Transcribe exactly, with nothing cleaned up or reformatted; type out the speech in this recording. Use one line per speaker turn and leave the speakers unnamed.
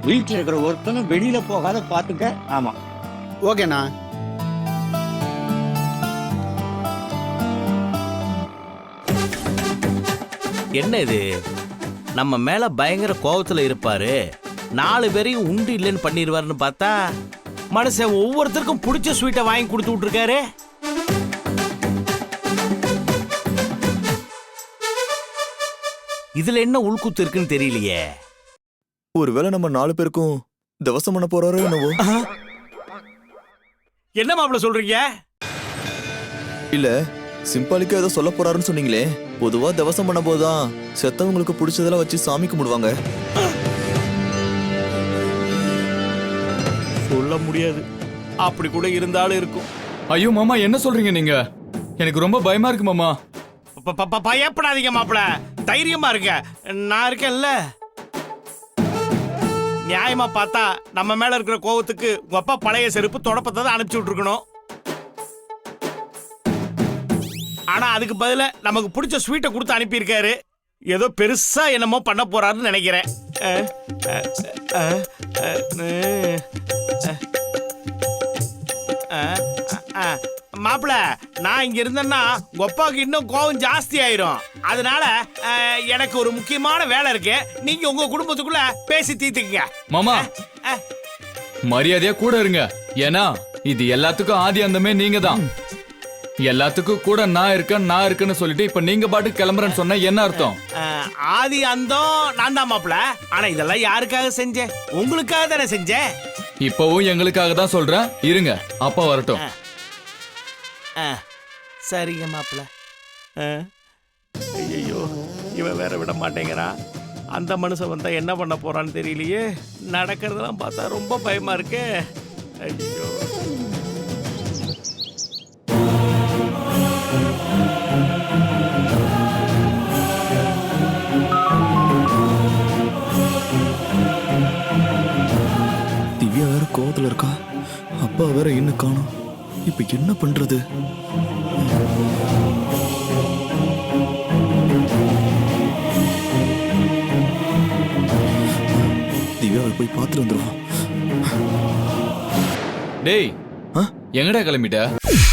வீட்டில் இருக்கிற ஒருத்தனும் வெளியில போகாத பார்த்துக்க. ஆமா,
ஓகேண்ணா.
என்ன இது, நம்ம மேல பயங்கர கோபத்துல இருப்பாரு, நாலு பேரையும் உண்டு இல்லைன்னு பண்ணிடுவாருன்னு பார்த்தா மனுஷன் ஒவ்வொருத்தருக்கும் பிடிச்ச ஸ்வீட்டை வாங்கி கொடுத்து விட்டுருக்காரு. இதுல என்ன உள்குத்து இருக்குன்னு தெரியலையே.
ஒருவேளை நம்ம நாலு பேருக்கும் தவசம் பண்ண போறாரோ என்னவோ.
என்ன மாப்பிள்ள சொல்றீங்க?
இல்ல சிம்பாலிக்கா ஏதோ சொல்ல போறாருன்னு சொன்னீங்களே. பொதுவா தவசம் பண்ண போதுதான் செத்தவங்களுக்கு பிடிச்சதெல்லாம் வச்சு சாமி கும்பிடுவாங்க.
சொல்ல முடியாது, அப்படி கூட இருந்தாலும் இருக்கும்.
ஐயோ மாமா, என்ன சொல்றீங்க நீங்க? எனக்கு ரொம்ப பயமா இருக்கு மாமா.
பயப்படாதீங்க மாப்பிள்ள, தைரியமா இருக்க, நான் இருக்கேன்ல. நியாயமா பார்த்தா நம்ம மேல இருக்கிற கோவத்துக்கு உங்க அப்பா பழைய செருப்பு தொடப்பத்தை தான் அனுப்பிச்சு விட்டுருக்கணும். ஆனா அதுக்கு பதிலா நமக்கு பிடிச்ச ஸ்வீட்டை கொடுத்து அனுப்பியிருக்காரு. ஏதோ பெருசா என்னமோ பண்ண போறாருன்னு நினைக்கிறேன். மாப்பிள்ள, நான் இங்க இருந்தேன்னா கொப்பாவுக்கு இன்னும் கோவம் ஜாஸ்தி ஆயிரும். அதனால எனக்கு ஒரு முக்கியமான வேலை இருக்கு. நீங்க உங்க குடும்பத்துக்குள்ள பேசி தீர்த்துக்கங்க.
மாமா மரியாதையா கூட இருங்க. ஏன்னா இது எல்லாத்துக்கும் ஆதி அந்தமே நீங்க தான். எல்லாத்துக்கும் கூட நான் இருக்கேன் நான் இருக்கேன்னு சொல்லிட்டு இப்ப நீங்க பாட்டு கிளம்புறேன்னு சொன்ன என்ன அர்த்தம்?
ஆதி அந்தம் நான் தான் மாப்பிள்ள. ஆனா இதெல்லாம் யாருக்காக செஞ்சேன்? உங்களுக்காக தானே செஞ்சேன்.
இப்பவும் எங்களுக்காக தான் சொல்றேன். இருங்க, அப்பா வரட்டும்.
சரிங்க மாப்பிள்ள. ஐயோ, இவன் வேற விட மாட்டேங்கிறான். அந்த மனுஷன் வந்தா என்ன பண்ண போறான்னு தெரியலையே. நடக்கிறதெல்லாம் பார்த்தா ரொம்ப பயமா இருக்கு. ஐயோ,
திவ்யா வேற கோவத்துல இருக்கா. அப்பா வேற இன்னும் காணோம். இப்ப என்ன பண்றது? திவ்யாவை போய் பார்த்துட்டு வந்துருவோம்.
டேய், எங்கடா கிளம்பிட்ட?